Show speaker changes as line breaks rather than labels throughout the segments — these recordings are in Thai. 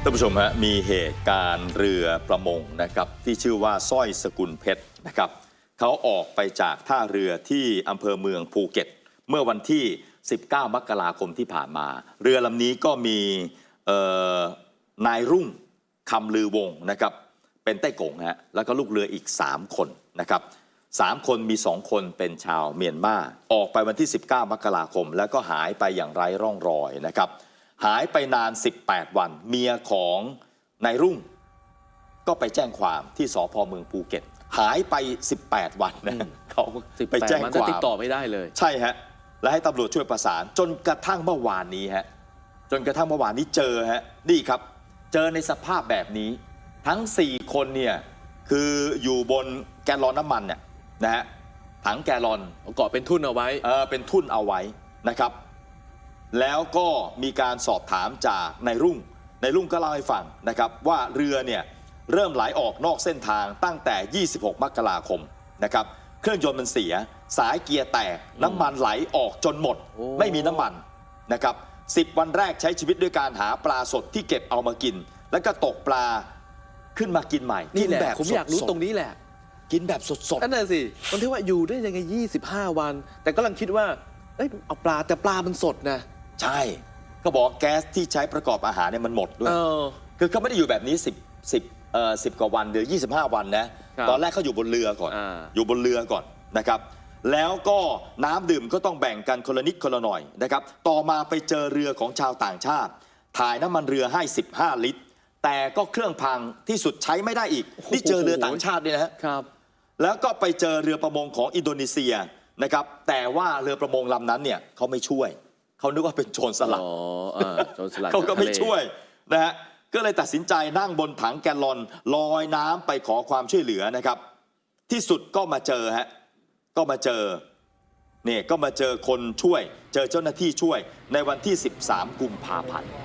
ท่านผู้ชมฮะมีเหตุการณ์เรือประมงนะครับที่ชื่อว่าสร้อยสกุลเพชรนะครับเขาออกไปจากท่าเรือที่อำเภอเมืองภูเก็ตเมื่อวันที่19 มกราคมที่ผ่านมาเรือลำนี้ก็มีนายรุ่งคำลือวงนะครับเป็นไต้กงฮะแล้วก็ลูกเรืออีก3 คนนะครับ3 คนมี2 คนเป็นชาวเมียนมาออกไปวันที่19 มกราคมแล้วก็หายไปอย่างไร้ร่องรอยนะครับหายไปนาน18 วันเมียของนายรุ่งก็ไปแจ้งความที่สภ.เมืองภูเก็ตหายไป18 วันนะเขาไปแจ้งความ
ติดต่อไม่ได้เลย
ใช่ฮะและให้ตำรวจช่วยประสานจนกระทั่งเมื่อวานนี้ฮะจนกระทั่งเมื่อวานนี้เจอฮะนี่ครับเจอในสภาพแบบนี้ทั้ง4 คนเนี่ยคืออยู่บนแกลลอนน้ำมันเนี่ยนะฮะถังแกลลอน
เกาะเป็นทุ่นเอาไว้
เป็นทุ่นเอาไว้นะครับแล้วก็มีการสอบถามจากนายรุ่งก็เล่าให้ฟังนะครับว่าเรือเนี่ยเริ่มไหลออกนอกเส้นทางตั้งแต่ 26 มกราคมนะครับเครื่องยนต์มันเสียสายเกียร์แตกน้ำมันไหลออกจนหมดไม่มีน้ำมันนะครับ10 วันแรกใช้ชีวิตด้วยการหาปลาสดที่เก็บเอามากินแล้วก็ตกปลาขึ้นมากินใหม่
นี่แหละผมอยากรู้ตรงนี้แหละ
กินแบบสดๆ
นั่นน่ะสิมันที่ว่าอยู่ได้ยังไง25 วันแต่กำลังคิดว่าเอาปลาแต่ปลามันสดนะ
ใช่ก็บอกแก๊สที่ใช้ประกอบอาหารเนี่ยมันหมดด้วยคือเขาไม่ได้อยู่แบบนี้10 กว่าวันหรือ25 วันนะตอนแรกเขาอยู่บนเรือก่อนอยู่บนเรือก่อนนะครับแล้วก็น้ำดื่มก็ต้องแบ่งกันคนละนิดคนละหน่อยนะครับต่อมาไปเจอเรือของชาวต่างชาติถ่ายน้ำมันเรือให้15 ลิตรแต่ก็เครื่องพังที่สุดใช้ไม่ได้อีกนี่เจอเรือต่างชาติด้วยนะครับแล้วก็ไปเจอเรือประมงของอินโดนีเซียนะครับแต่ว่าเรือประมงลำนั้นเนี่ยเขาไม่ช่วยเขานึกว่าเป็นโจรสลัดเขาก็ไม่ช่วยนะฮะก็เลยตัดสินใจนั่งบนถังแกลลอนลอยน้ำไปขอความช่วยเหลือนะครับที่สุดก็มาเจอฮะก็มาเจอเนี่ยก็มาเจอคนช่วยเจอเจ้าหน้าที่ช่วยในวันที่13 กุมภาพันธ์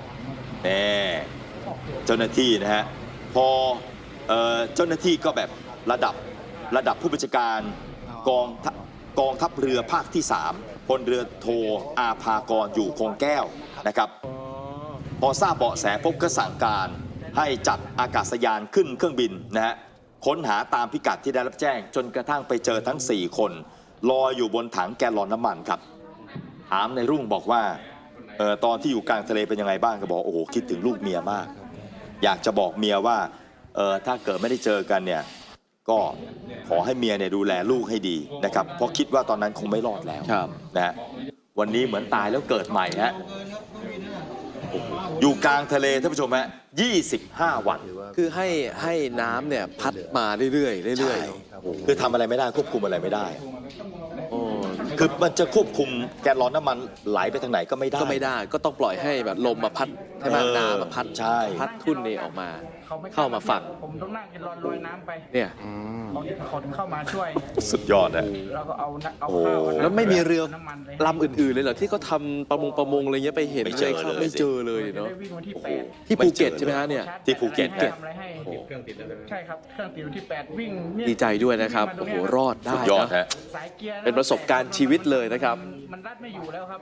เจ้าหน้าที่นะฮะพอเจ้าหน้าที่ก็แบบระดับผู้บัญชาการกองทัพเรือภาคที่3พลเรือโทอาภากรอยู่คงแก้วนะครับพอทราบเบาะแสพบก็สั่งการให้จัดอากาศยานขึ้นเครื่องบินนะฮะค้นหาตามพิกัดที่ได้รับแจ้งจนกระทั่งไปเจอทั้ง4 คนลอยอยู่บนถังแกลลอนน้ำมันครับถามในรุ่งบอกว่าตอนที่อยู่กลางทะเลเป็นยังไงบ้างก็บอกโอ้โหคิดถึงลูกเมียมากอยากจะบอกเมียว่าถ้าเกิดไม่ได้เจอกันเนี่ยก็ขอให้เมียเนี่ยดูแลลูกให้ดีนะครับเพราะคิดว่าตอนนั้นคงไม่รอดแล้วนะฮะวันนี้เหมือนตายแล้วเกิดใหม่ฮะอยู่กลางทะเลท่านผู้ชมฮะ25 วัน
คือให้น้ำเนี่ยพัดมาเรื่อยๆ
คือทำอะไรไม่ได้ควบคุมอะไรไม่ได้คือมันจะควบคุมแกลลอนน้ำมันไหลไปทางไหนก็ไม่ได้
ก็ต้องปล่อยให้แบบลมมาพัดให้น้ำมาพัดทุ่นนี่ออกมาเข้ามาฝั่ง
ผมต้องนั่งแกลลอนลอยน้ำไป
เนี่ย
ขนเข้ามาช่วย
สุดยอดนะ
แล้วก็เอาข้าว
แล้วไม่มีเรือลำอื่นๆเลยเหรอที่เขาทำประมงอะไรเงี้ยไปเห็นไม่เจอเลยเนาะที่ภูเก็ตใช่ไหมฮะเนี่ย
ที่ภูเก็ต
ใช่ครับเครื่องติดที่8วิ่ง
ดีใจด้วยนะครับโอ้โหรอดได้นะเป็นประสบการณ์ชีวิตเลยนะครับ
มันรัดไม่อยู่แล้วครับ